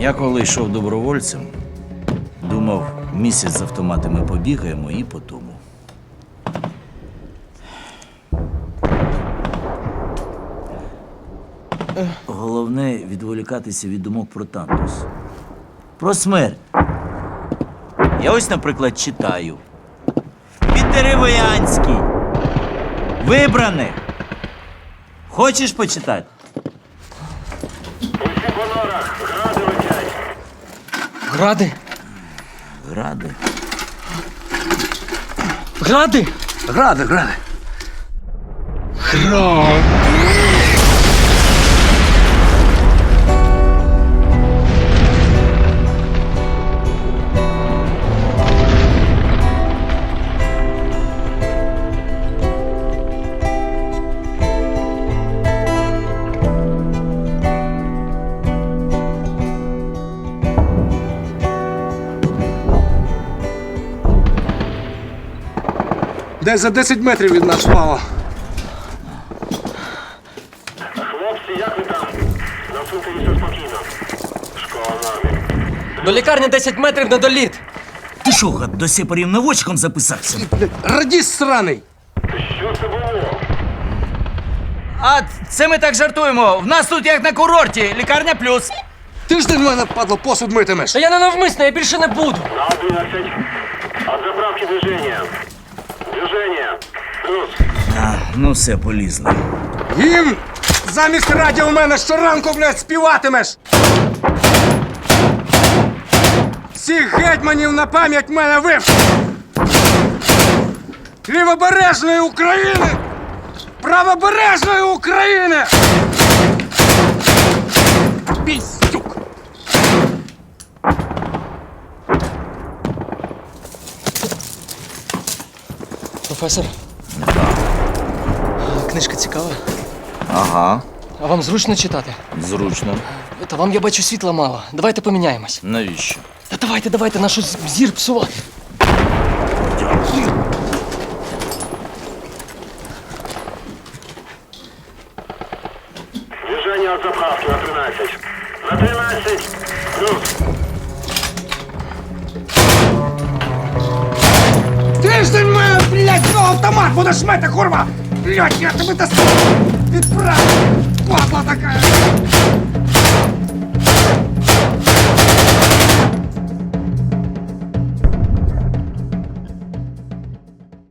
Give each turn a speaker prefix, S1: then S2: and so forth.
S1: Я коли йшов добровольцем, думав, місяць з автоматами побігаємо і по тому. Головне відволікатися від думок про Тантус. Про смерть. Я ось, наприклад, читаю. Піддеревоянський. Вибране. Хочеш почитати?
S2: Усі по норах, гради летять.
S3: Гради?
S1: Гради.
S3: Гради?
S4: Гради, гради. Десь за 10 метрів від нас впало.
S2: Хлопці, як ви там? На цвинтарі все спокійно. Школа нормі.
S3: До лікарні 10 метрів на доліт.
S1: Ти що, гад, до сепарів наводчиком записався?
S4: Радіст сраний!
S2: Що це було?
S1: А це ми так жартуємо. В нас тут як на курорті. Лікарня плюс.
S4: Тиждень в мене, падло, посуд митимеш.
S3: Та я не навмисно, я більше не буду.
S2: На 11. От заправки движення. Движення. Плюс.
S1: Ну все, полізли.
S4: Гімн! Замість радіо в мене щоранку, блядь, співатимеш! Всіх гетьманів на пам'ять мене вивчив! Лівобережної України! Правобережної України! Піздюк!
S3: Професор, книжка цікава.
S1: Ага,
S3: А вам зручно читати?
S1: зручно.
S3: Та вам, я бачу, світла мало. Давайте поміняємось.
S1: Навіщо?
S3: Та давайте, нашу зір псувати.
S1: Дякую.
S2: Движення от заправки на 13. На 13. Плюс.
S4: Тиждень в мене, блядь, автомат будеш мити, курва! Блядь, я тебе достану! Відправлю! Падла така!